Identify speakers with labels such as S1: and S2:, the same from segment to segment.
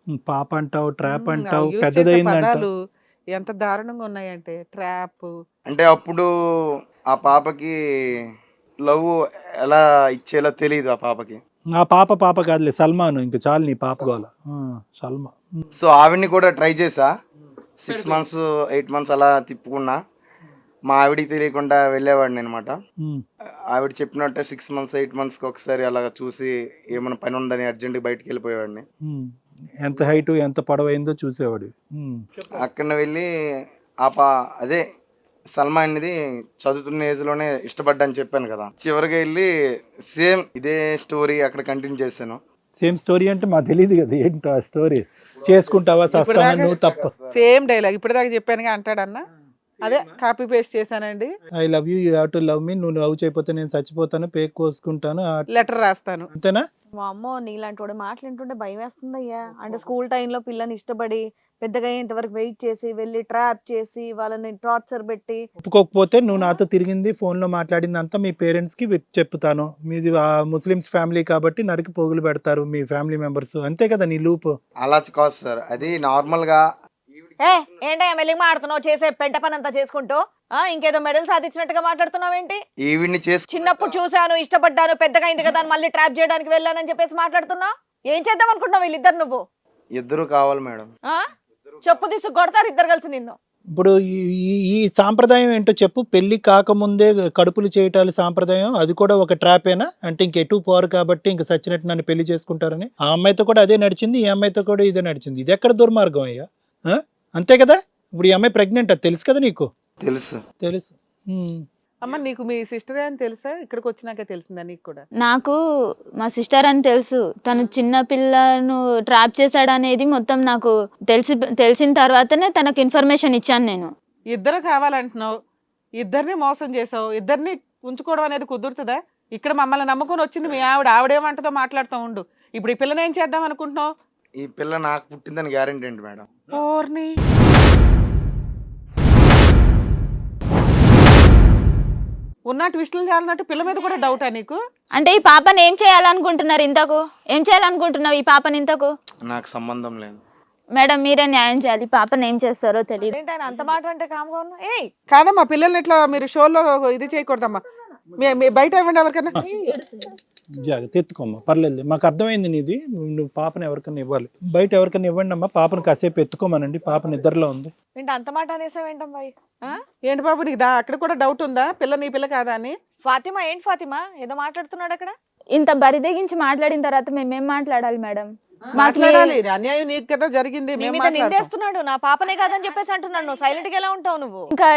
S1: పాప అంటావు, ట్రాప్ అంటావు,
S2: యూజ్ చేసే
S1: పెద్దదయిందంటావు.
S2: పదాలు ఎంత దారుణంగా ఉన్నాయంటే ట్రాప్.
S3: అంటే అప్పుడు ఆ పాపకి లవ్ ఎలా ఇచ్చేలా తెలియదు ఆ పాపకి.
S1: ఆ పాప కాదులే, సల్మాను. ఇంక చాలు నీ పాప గోల. సల్మా.
S3: సో ఆవిడ్ని కూడా ట్రై చేసా, 6 months 8 months అలా తిప్పుకున్నా. మా ఆవిడికి తెలియకుండా వెళ్ళేవాడిని అనమాట. ఆవిడ చెప్పినట్టే 6 months 8 monthsకి ఒకసారి అలా చూసి ఏమైనా పని ఉందని అర్జెంట్గా బయటకు వెళ్ళిపోయేవాడిని.
S1: ఎంత హైట్ ఎంత పొడవైందో చూసేవాడు.
S3: అక్కడ వెళ్ళి అదే సల్మా అనేది చదువుతున్న ఏజ్ లోనే ఇష్టపడ్డా అని చెప్పాను కదా. చివరిగా వెళ్ళి సేమ్ ఇదే స్టోరీ అక్కడ కంటిన్యూ చేశాను.
S1: సేమ్ స్టోరీ అంటే మాకు తెలియదు కదా ఏంటో ఆ స్టోరీ. చేసుకుంటావా సస్తానా నువ్వు తప్ప.
S2: సేమ్ డైలాగ్ ఇప్పటిదాకా చెప్పానుగా అంటాడన్నా, అదే కాపీ పేస్ట్ చేశానండి.
S1: I love you, you have to love me. నువ్వు లవ్ చేయకపోతే నేను చచ్చిపోతాను, పేక్ కోసుకుంటాను,
S2: లెటర్ రాస్తాను.
S1: అంతేనా?
S4: మా అమ్మో నీలాంటి వాడు మాట్లాడుతుంటే భయం వేస్తుంది అయ్యా. అంటే స్కూల్ టైంలో పిల్లని ఇష్టపడి పెద్దగా ఇంతవరకు వెయిట్ చేసి వెళ్ళి ట్రాప్ చేసి వాళ్ళని టార్చర్ పెట్టి
S1: ఒప్పుకోకపోతే నువ్వు నాతో తిరిగింది ఫోన్ లో మాట్లాడింది అంతా మీ పేరెంట్స్ కి చెప్తాను. మీది ముస్లిమ్స్ ఫ్యామిలీ కాబట్టి నరికి పోగులు పెడతారు మీ ఫ్యామిలీ మెంబర్స్. అంతే కదా నీ లూప్.
S3: అలా కాదు సార్, అది నార్మల్ గా.
S4: ఏంటో మెల్లిగా మాడుతున్నావు, చేసే పెంట పని అంతా చేసుకుంటూ ఇంకేదో మెడల్ సాధించినట్టుగా మాట్లాడుతున్నావు ఏంటి?
S3: ఈవిడ్ని
S4: చిన్నప్పుడు చూశాను, ఇష్టపడ్డాను, పెద్దగా అయింది కదా అని మళ్ళీ ట్రాప్ చేయడానికి వెళ్ళానని చెప్పేసి మాట్లాడుతున్నావు. ఏం చేద్దాం అనుకుంటున్నావు వీళ్ళిద్దరు? నువ్వు
S3: ఇద్దరు కావాలి మేడం.
S4: చెప్పు తీసుకు కొడతారు ఇద్దరు కలిసి నిన్ను.
S1: ఇప్పుడు ఈ సాంప్రదాయం ఏంటో చెప్పు. పెళ్లి కాకముందే కడుపులు చేయటాలు సాంప్రదాయం, అది కూడా ఒక ట్రాపేనా? అంటే ఇంకెటు పోరు కాబట్టి ఇంక సచ్చినట్టు నన్ను పెళ్లి చేసుకుంటారని. ఆ అమ్మాయితో కూడా అదే నడిచింది, ఈ అమ్మాయితో కూడా ఇదే నడిచింది. ఇది ఎక్కడ దుర్మార్గం అయ్యా? అంతే కదా. ఇప్పుడు ఈ అమ్మాయి ప్రెగ్నెంట్, అది తెలుసు కదా నీకు? తెలుసు.
S2: అమ్మ నీకు మీ సిస్టరే అని తెలుసా? ఇక్కడికి వచ్చినాకే తెలిసిందా నీకు కూడా?
S5: నాకు మా సిస్టర్ అని తెలుసు. తను చిన్న పిల్లను ట్రాప్ చేశాడనేది మొత్తం నాకు తెలిసిన తర్వాతనే తనకు ఇన్ఫర్మేషన్ ఇచ్చాను నేను.
S2: ఇద్దరు కావాలంటున్నావు, ఇద్దరిని మోసం చేసావు, ఇద్దరిని ఉంచుకోవడం అనేది కుదురుతుందా? ఇక్కడ మమ్మల్ని నమ్ముకొని వచ్చింది మీ ఆవిడేమంటదో మాట్లాడుతూ ఉండు. ఇప్పుడు ఈ పిల్లని ఏం చేద్దాం అనుకుంటున్నావు?
S3: ఈ పిల్ల నాకు పుట్టిందని గ్యారెంటీ ఏంటి మేడం?
S2: ఓర్ని ఉన్న ట్విస్టులు చాలన్నట్టు పిల్ల మీద కూడా డౌటా నీకు?
S5: అంటే ఈ పాపని ఏం చేయాలనుకుంటున్నారు? ఇంతకు ఏం చేయాలనుకుంటున్నావు ఈ పాపని? ఇంతకు
S3: నాకు సంబంధం లేదు
S5: మేడం, మీరే న్యాయం చేయాలి. పాపని ఏం చేస్తారో తెలియదు.
S4: అంత మాట అంటే కామ్గా ఉన్నా.
S2: కాదమ్మా, పిల్లల్ని ఇట్లా మీరు షోలో ఇది చేయకూడదమ్మా. మీ బయట ఇవ్వండి ఎవరికన్నా.
S1: జాగ్రత్త, ఎత్తుకోమ్మా, పర్లేదు. మాకు అర్థమైంది నీది. నువ్వు పాపను ఎవరికన్నా ఇవ్వాలి, బయట ఎవరికన్నా ఇవ్వండి అమ్మా. పాపను కాసేపు ఎత్తుకోమనండి, పాప నిద్రలో ఉంది.
S4: ఏంటి అంత మాట అనేసావు ఏంటమ్మా?
S2: ఏంటి బాబు నీకు అక్కడ కూడా డౌట్ ఉందా పిల్ల నీ పిల్ల కాదా అని?
S4: ఫాతిమా ఏంటి ఫాతిమా ఏదో మాట్లాడుతున్నాడు అక్కడ?
S5: ఇంత బరిదెగించి మాట్లాడిన తర్వాత మేమేం మాట్లాడాలి మేడం?
S2: మాట్లాడాలి. అన్యాయం నీకు కదా జరిగింది.
S4: నిందేస్తున్నాడు, నా పాపనే కాదని చెప్పేసి అంటున్నాడు. నువ్వు సైలెంట్ గా ఎలా ఉంటావు నువ్వు?
S5: ఇంకా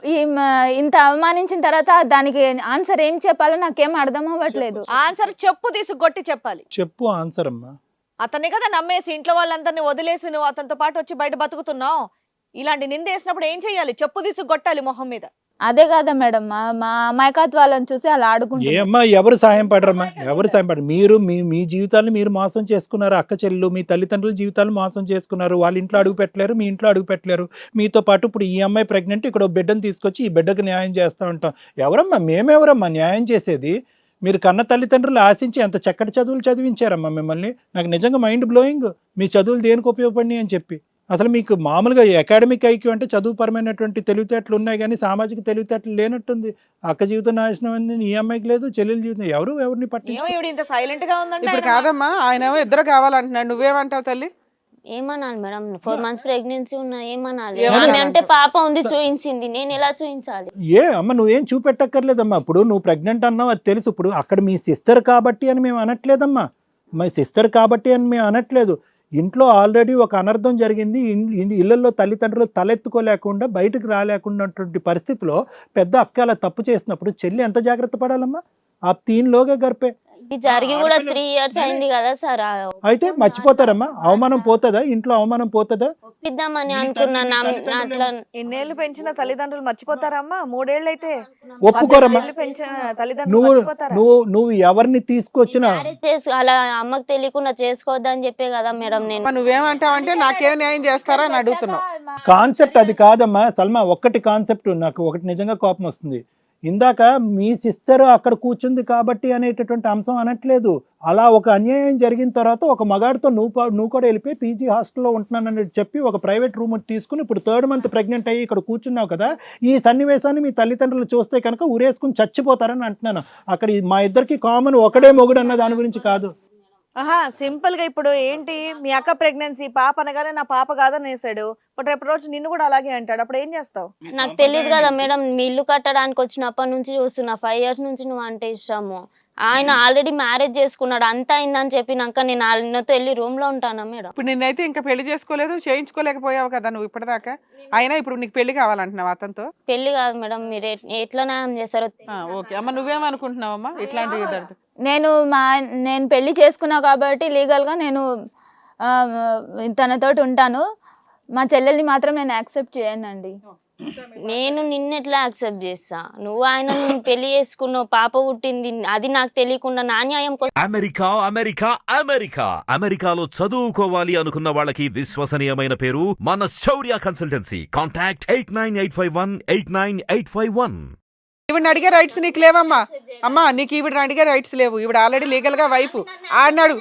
S5: ఇంత అవమానించిన తర్వాత దానికి ఆన్సర్ ఏం చెప్పాలో నాకేం అర్థం అవ్వట్లేదు.
S4: ఆన్సర్ చెప్పు, తీసుకొట్టి చెప్పాలి.
S1: చెప్పు ఆన్సర్ అమ్మా.
S4: అతన్ని కదా నమ్మేసి ఇంట్లో వాళ్ళందరినీ వదిలేసి నువ్వు అతనితో పాటు వచ్చి బయట బతుకుతున్నావు. ఇలాంటి నిందేసినప్పుడు ఏం చెయ్యాలి? చెప్పు తీసుకొట్టాలి మొహం మీద.
S5: అదే కదా మేడం, మా అమాయకత్వాలను చూసి అలా ఆడుకుంటారు.
S1: ఏమ్మా, ఎవరు సాయం పడరమ్మా? ఎవరు సాయం పడరు? మీరు మీ జీవితాలను మీరు మోసం చేసుకున్నారు. అక్క చెల్లెలు మీ తల్లిదండ్రుల జీవితాలు మోసం చేసుకున్నారు. వాళ్ళ ఇంట్లో అడుగు పెట్టలేరు, మీ ఇంట్లో అడుగు పెట్టలేరు. మీతో పాటు ఇప్పుడు ఈ అమ్మాయి ప్రెగ్నెంట్, ఇక్కడ బిడ్డను తీసుకొచ్చి ఈ బిడ్డకు న్యాయం చేస్తూ ఉంటాం. ఎవరమ్మా? మేమెవరమ్మా న్యాయం చేసేది? మీరు కన్న తల్లిదండ్రులు ఆశించి ఎంత చక్కటి చదువులు చదివించారమ్మా మిమ్మల్ని. నాకు నిజంగా మైండ్ బ్లోయింగ్. మీ చదువులు దేనికి ఉపయోగపడినాయి అని చెప్పి. అసలు మీకు మామూలుగా అకాడమిక్ ఐక్యూ అంటే చదువుపరమైనటువంటి తెలివితేటలు ఉన్నాయి, కానీ సామాజిక తెలివితేటలు లేనట్టుంది. అక్క జీవితం నాశనం అయింది, ఈ అమ్మాయికి లేదు. చెల్లెల జీవితం ఎవరిని పట్టించుకోరు.
S4: ఇంత సైలెంట్ గా ఉందండి.
S2: ఇప్పుడు కాదమ్మా, ఆయన ఇద్దరు కావాలంటున్నాడు, నువ్వేమంటావు తల్లి?
S6: ఏమనాలి మేడం? 4 months ప్రెగ్నెన్సీ ఉన్నా ఏమనాలి? అంటే పాప ఉంది చూపించింది, నేను ఎలా చూపించాలి?
S1: అమ్మ నువ్వేం చూపెట్టక్కర్లేదమ్మా. ఇప్పుడు నువ్వు ప్రెగ్నెంట్ అన్నావు, అది తెలుసు. ఇప్పుడు అక్కడ మీ సిస్టర్ కాబట్టి అని మేము అనట్లేదమ్మా. మీ సిస్టర్ కాబట్టి అని మేము అనట్లేదు. ఇంట్లో ఆల్రెడీ ఒక అనర్థం జరిగింది. ఇళ్లలో తల్లిదండ్రులు తలెత్తుకోలేకుండా బయటకు రాలేకున్నటువంటి పరిస్థితిలో పెద్ద అక్క అలా తప్పు చేసినప్పుడు చెల్లి ఎంత జాగ్రత్త పడాలమ్మా? ఆ 3 లోగా గర్పే
S6: జరిగి కూడా 3 years అయింది కదా సార్.
S1: అయితే మర్చిపోతారమ్మా? అవమానం పోతుందా? ఇంట్లో అవమానం పోతుందా?
S6: ఒప్పిద్దామని అనుకున్నాను. అట్లా
S4: ఎన్నేళ్ళు పెంచిన తల్లిదండ్రులు మర్చిపోతారమ్మా? 3 ఏళ్ళు అయితే
S1: ఒప్పుకోరమ్మా.
S4: పెంచిన తల్లిదండ్రులు
S1: నువ్వు ఎవరిని తీసుకొచ్చినా
S6: అలా అమ్మకు తెలియకుండా చేసుకోవద్దని చెప్పే కదా మేడం నేను.
S2: నువ్వేమంటావంటే నాకేం న్యాయం చేస్తారా అని అడుగుతున్నావు.
S1: కాన్సెప్ట్ అది కాదమ్మా సల్మా. ఒక్కటి కాన్సెప్ట్ నాకు ఒకటి నిజంగా కోపం వస్తుంది. ఇందాక మీ సిస్టర్ అక్కడ కూర్చుంది కాబట్టి అనేటటువంటి అంశం అనట్లేదు. అలా ఒక అన్యాయం జరిగిన తర్వాత ఒక మగాడితో నువ్వు కూడా వెళ్ళిపోయి పీజీ హాస్టల్లో ఉంటున్నానని చెప్పి ఒక ప్రైవేట్ రూమ్ తీసుకుని ఇప్పుడు 3rd మంత్ ప్రెగ్నెంట్ అయ్యి ఇక్కడ కూర్చున్నావు కదా, ఈ సన్నివేశాన్ని మీ తల్లిదండ్రులు చూస్తే కనుక ఊరేసుకుని చచ్చిపోతారని అంటున్నాను. అక్కడ మా ఇద్దరికి కామన్ ఒకడే మొగుడు అన్న దాని గురించి కాదు.
S4: ఆహా, సింపుల్ గా ఇప్పుడు ఏంటి, మీ అక్క ప్రెగ్నెన్సీ పాప అనగానే నా పాప కాదని వేసాడు, బట్ రేపు రోజు నిన్ను కూడా అలాగే అంటాడు, అప్పుడు ఏం చేస్తావు?
S6: నాకు తెలియదు కదా మేడం, మీ ఇల్లు కట్టడానికి వచ్చినప్పటి నుంచి చూస్తున్నా, 5 years నుంచి నువ్వు అంటే ఇష్టము. ఆయన ఆల్రెడీ మ్యారేజ్ చేసుకున్నాడు, అంతా అయిందని చెప్పినాక నేను ఆయనతో వెళ్ళి రూమ్ లో ఉంటానా మేడం?
S2: ఇప్పుడు నిన్నైతే ఇంకా పెళ్లి చేసుకోలేదు, చేయించుకోలేకపోయావు కదా నువ్వు ఇప్పటిదాకా. అయినా ఇప్పుడు నీకు పెళ్లి కావాలంటున్నావు అతనితో?
S6: పెళ్లి కాదు మేడం, మీరు ఎట్లా న్యాయం చేస్తారో.
S2: ఓకే అమ్మ, నువ్వేమనుకుంటున్నావమ్మా ఇట్లాంటి?
S5: నేను పెళ్లి చేసుకున్నా కాబట్టి లీగల్గా నేను తనతోటి ఉంటాను. మా చెల్లెల్ని మాత్రం నేను యాక్సెప్ట్ చేయనండి.
S6: నేను నిన్నెట్లా యాక్సెప్ట్ చేస్తా? నువ్వు ఆయన పెళ్లి చేసుకున్నావు, పాప పుట్టింది, అది నాకు తెలియకుండా నా న్యాయం కోసం.
S7: అమెరికా అమెరికా అమెరికా అమెరికాలో చదువుకోవాలి అనుకున్న వాళ్ళకి విశ్వసనీయమైన పేరు మన శౌర్య కన్సల్టెన్సీ. కాంటాక్ట్ 8985189851.
S2: ఈవిడ అడిగే రైట్స్ నీకు లేవమ్మా. అమ్మా, నీకు ఈవిడ అడిగే రైట్స్ లేవు. ఈవిడ ఆల్రెడీ లీగల్ గా వైఫ్. ఆడినాడు,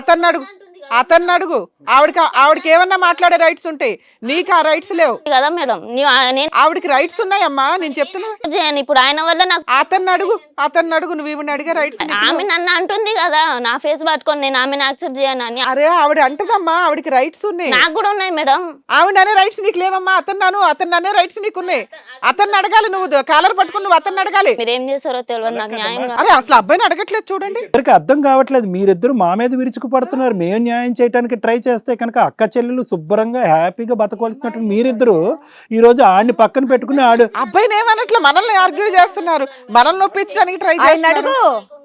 S2: అతన్ని అడుగు. ఆవిడకి ఏమన్నా మాట్లాడే రైట్స్ ఉంటాయి, నీకు ఆ రైట్స్ లేవు
S6: కదా మేడం.
S2: ఆవిడకి రైట్స్ ఉన్నాయమ్మా, నేను చెప్తున్నా.
S6: ఇప్పుడు ఆయన వల్ల నాకు
S2: అతన్ని అడుగు నువ్వు ఈవిడ అడిగే రైట్స్.
S6: ఆమె నన్ను అంటుంది కదా, నా ఫేస్ పట్టుకొని నేను ఆమెను యాక్సెప్ట్ చేయను అని.
S2: అరే ఆవిడ అంటదమ్మా, ఆవిడకి రైట్స్ ఉన్నాయి,
S6: నాకు కూడా ఉన్నాయి మేడం.
S2: ఆవిడ అనే రైట్స్ నీకు లేవమ్మా. అతన్ని అనే రైట్స్ నీకు ఉన్నాయి. అతన్ని అడగాలి, నువ్వు కాలర్ పట్టుకుని నువ్వు అతన్ని అడగాలి.
S6: మీరు ఏం చేస్తారో తెలియదు నాకు న్యాయం.
S2: అరే అసలు అబ్బాయిని అడగట్లేదు చూడండి.
S1: ఇద్దరికి అర్థం కావట్లేదు, మీరిద్దరు మా మీద విరుచుకు పడుతున్నారు. మేము న్యాయం చేయడానికి ట్రై చేస్తే కనుక అక్క చెల్లెలు శుభ్రంగా హ్యాపీగా బతకవలసినట్టు మీరిద్దరు ఈ రోజు ఆడిని పక్కన పెట్టుకుని
S2: అబ్బాయిని ఏమన్నట్లు మనల్ని ఆర్గ్యూ చేస్తున్నారు, మనల్ని నొప్పించడానికి ట్రై చేస్తున్నారు.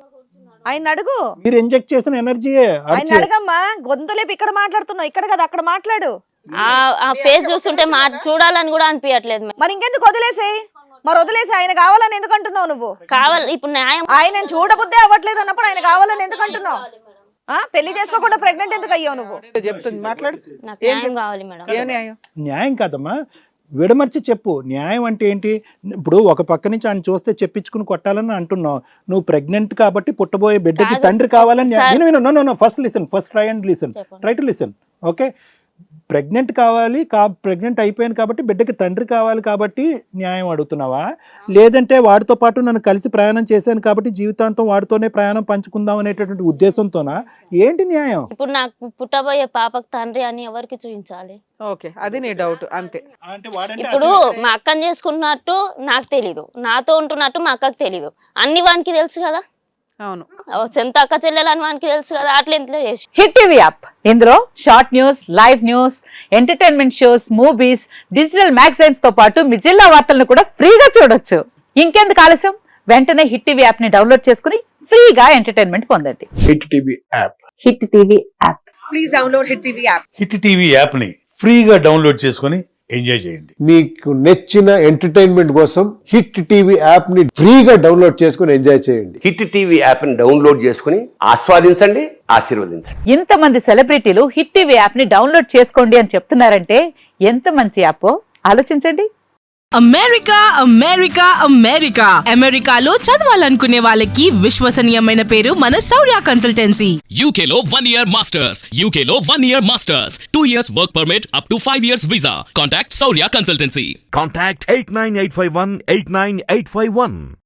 S4: ఆయన అడుగు,
S1: మీరు ఇంజెక్ట్ చేసిన ఎనర్జీ
S4: ఆయన అడగమ్మా. గొంతులేపు ఇక్కడ మాట్లాడుతున్నావు, ఇక్కడ కదా అక్కడ మాట్లాడు.
S6: ఆ ఫేస్ చూస్తుంటే చూడాలని కూడా అనిపించట్లేదు.
S4: మరి ఇంకెందుకు వదిలేసేయి, ఆయన కావాలని ఎందుకు అంటున్నావు? నువ్వు
S6: కావాలి ఇప్పుడు న్యాయం.
S4: ఆయన చూడబుద్దే అవ్వట్లేదు అన్నప్పుడు ఆయన కావాలని ఎందుకు అంటున్నావు? పెళ్లి చేసుకోకుండా ప్రెగ్నెంట్ ఎందుకు అయ్యావు నువ్వు?
S2: చెప్తుంది, మాట్లాడు.
S6: నాకు న్యాయం కావాలి మేడం.
S2: ఏం న్యాయం?
S1: న్యాయం కాదమ్మా, విడమర్చి చెప్పు. న్యాయం అంటే ఏంటి? ఇప్పుడు ఒక పక్క నుంచి ఆయన చూస్తే చెప్పించుకుని కొట్టాలని అంటున్నావు. నువ్వు ప్రెగ్నెంట్ కాబట్టి పుట్టబోయే బిడ్డకి తండ్రి కావాలని. First try to listen. Okay, pregnant కావాలి, ప్రెగ్నెంట్ అయిపోయాను కాబట్టి బిడ్డకి తండ్రి కావాలి కాబట్టి న్యాయం అడుగుతున్నావా? లేదంటే వాడితో పాటు నన్ను కలిసి ప్రయాణం చేశాను కాబట్టి జీవితాంతం వాడితోనే ప్రయాణం పంచుకుందాం అనేటటువంటి ఉద్దేశంతోనా? ఏంటి న్యాయం?
S6: ఇప్పుడు నాకు పుట్టబోయే పాపకు తండ్రి అని ఎవరికి చూపించాలి?
S2: ఓకే, అది నీ డౌట్ అంతే.
S6: ఇప్పుడు మా అక్కని చేసుకున్నట్టు నాకు తెలీదు, నాతో ఉంటున్నట్టు మా అక్కకి తెలీదు, అన్ని వానికి తెలుసు కదా.
S2: అవును,
S6: సొంత అక్క చెల్లెలని వానికి తెలుసు కదా. అట్లా ఎంత చేసి
S8: హిట్ టీవీ యాప్, ఇందులో short news, live news, entertainment shows, movies, digital magazines తో పాటు మీ జిల్లా వార్తలను కూడా ఫ్రీగా చూడొచ్చు. ఇంకెందుకు ఆలస్యం, వెంటనే హిట్ టీవీ యాప్ ని డౌన్లోడ్ చేసుకుని ఫ్రీగా ఎంటర్టైన్మెంట్ పొందండి.
S9: Hit TV app.
S8: Hit TV app.
S10: Please download hit TV app.
S9: Hit TV app ని ఫ్రీగా డౌన్లోడ్ చేసుకుని ఎంజాయ్ చేయండి.
S11: మీకు నచ్చిన ఎంటర్టైన్మెంట్ కోసం హిట్ టీవీ యాప్ ని ఫ్రీగా డౌన్లోడ్ చేసుకుని ఎంజాయ్ చేయండి.
S12: హిట్ టీవీ యాప్ ని డౌన్లోడ్ చేసుకుని ఆస్వాదించండి, ఆశీర్వదించండి.
S8: ఇంతమంది సెలబ్రిటీలు హిట్ టీవీ యాప్ ని డౌన్లోడ్ చేసుకోండి అని చెప్తున్నారంటే ఎంత మంచి యాప్ ఆలోచించండి.
S10: అమెరికాలో చదవాలనుకునే వాళ్ళకి విశ్వసనీయమైన పేరు మన శౌర్య కన్సల్టెన్సీ.
S13: UKలో 1 year masters. 2 years work permit up to 5 years visa. Contact Saurya Consultancy.
S7: Contact 89851 89851.